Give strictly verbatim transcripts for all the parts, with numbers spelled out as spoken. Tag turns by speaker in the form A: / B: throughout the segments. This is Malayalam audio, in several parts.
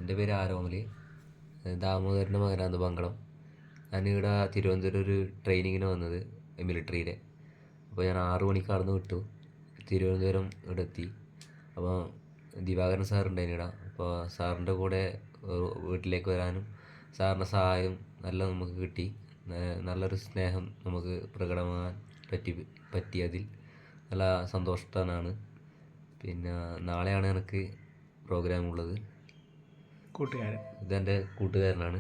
A: എൻ്റെ പേര് ആരോമൽ, ദാമോദരൻ്റെ മകനാണ് പങ്കളം. ഞാനിവിടെ തിരുവനന്തപുരം ഒരു ട്രെയിനിങ്ങിന് വന്നത് മിലിറ്ററിയിലെ. അപ്പോൾ ഞാൻ ആറു മണിക്ക് അവിടുന്ന് വിട്ടു, തിരുവനന്തപുരം ഇവിടെ എത്തി. അപ്പോൾ ദിവാകരൻ സാറുണ്ടായിരുന്നു ഇവിടെ. അപ്പോൾ സാറിൻ്റെ കൂടെ വീട്ടിലേക്ക് വരാനും സാറിൻ്റെ സഹായം നല്ല നമുക്ക് കിട്ടി. നല്ലൊരു സ്നേഹം നമുക്ക് പ്രകടമാകാൻ പറ്റി പറ്റിയതിൽ നല്ല സന്തോഷവാനാണ്. പിന്നെ നാളെയാണ് എനിക്ക് പ്രോഗ്രാം ഉള്ളത്.
B: കൂട്ടുകാരൻ
A: ഇതെൻ്റെ കൂട്ടുകാരനാണ്.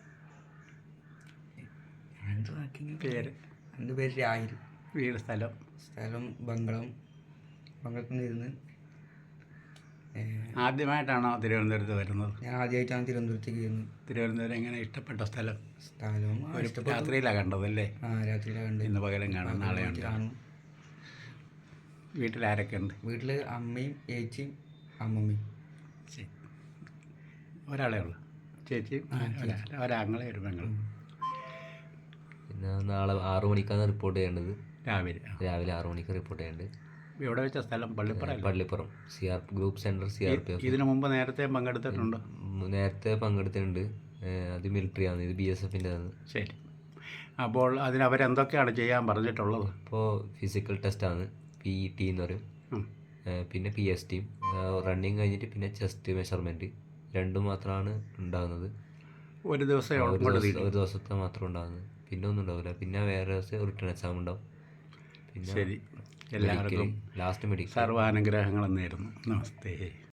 B: പേര്
C: എൻ്റെ പേര് രാഹിൽ.
B: വീട് സ്ഥലം
C: സ്ഥലം ബംഗളം. ബംഗളത്തിൽ നിന്ന് ഇരുന്ന്
B: ആദ്യമായിട്ടാണോ തിരുവനന്തപുരത്ത് വരുന്നത്?
C: ഞാൻ ആദ്യമായിട്ടാണ് തിരുവനന്തപുരത്തേക്ക് വരുന്നത്.
B: തിരുവനന്തപുരം എങ്ങനെ ഇഷ്ടപ്പെട്ട സ്ഥലം?
C: സ്ഥലം
B: ഒരു രാത്രിയിലാണ് കണ്ടതല്ലേ?
C: ആ രാത്രിയിലാണ് കണ്ടത്.
B: ഇന്ന് പകലും കാണാം, നാളെ
C: കാണും.
B: വീട്ടിൽ ആരൊക്കെ ഉണ്ട്?
C: വീട്ടിൽ അമ്മയും ചേച്ചിയും അമ്മമ്മയും.
B: ശരി, ഒരാളേ ഉള്ളു? ചേച്ചിയും ഒരാങ്ങളെ ഒരു പെങ്ങളും.
A: പിന്നെ നാളെ ആറു മണിക്കാണ് റിപ്പോർട്ട് ചെയ്യേണ്ടത്.
B: രാവിലെ
A: രാവിലെ ആറു മണിക്ക് റിപ്പോർട്ട് ചെയ്യേണ്ടത്.
B: എവിടെ വെച്ച സ്ഥലം? Pallippuram.
A: Pallippuram C R group centre C R P F.
B: ഇതിനു മുമ്പ് നേരത്തെ പങ്കെടുത്തിട്ടുണ്ടോ?
A: നേരത്തെ പങ്കെടുത്തിട്ടുണ്ട്. അത് മിലിറ്ററിയാണ്, ഇത് ബി എസ് എഫിൻ്റെ ആണ്.
B: ശരി, അപ്പോൾ അതിന് അവരെന്തൊക്കെയാണ് ചെയ്യാൻ പറഞ്ഞിട്ടുള്ളത്?
A: ഇപ്പോൾ ഫിസിക്കൽ ടെസ്റ്റാണ്, പി ഇ ടി എന്ന് പറയും. പിന്നെ പി എസ് ടിയും റണ്ണിങ് കഴിഞ്ഞിട്ട് പിന്നെ ചെസ്റ്റ് മെഷർമെൻറ്റ് രണ്ടും മാത്രമാണ് ഉണ്ടാകുന്നത്.
B: ഒരു ദിവസം
A: ഒരു ദിവസത്തെ മാത്രം ഉണ്ടാകുന്നത്, പിന്നെ ഒന്നും ഉണ്ടാവില്ല. പിന്നെ വേറെ ദിവസം റിട്ടേൺ എക്സാം ഉണ്ടാവും. പിന്നെ
B: ശരി, എല്ലാവർക്കും
A: ലാസ്റ്റ് മെഡിക്കൽ.
B: സർവാനുഗ്രഹങ്ങളും നേരുന്നു. നമസ്തേ.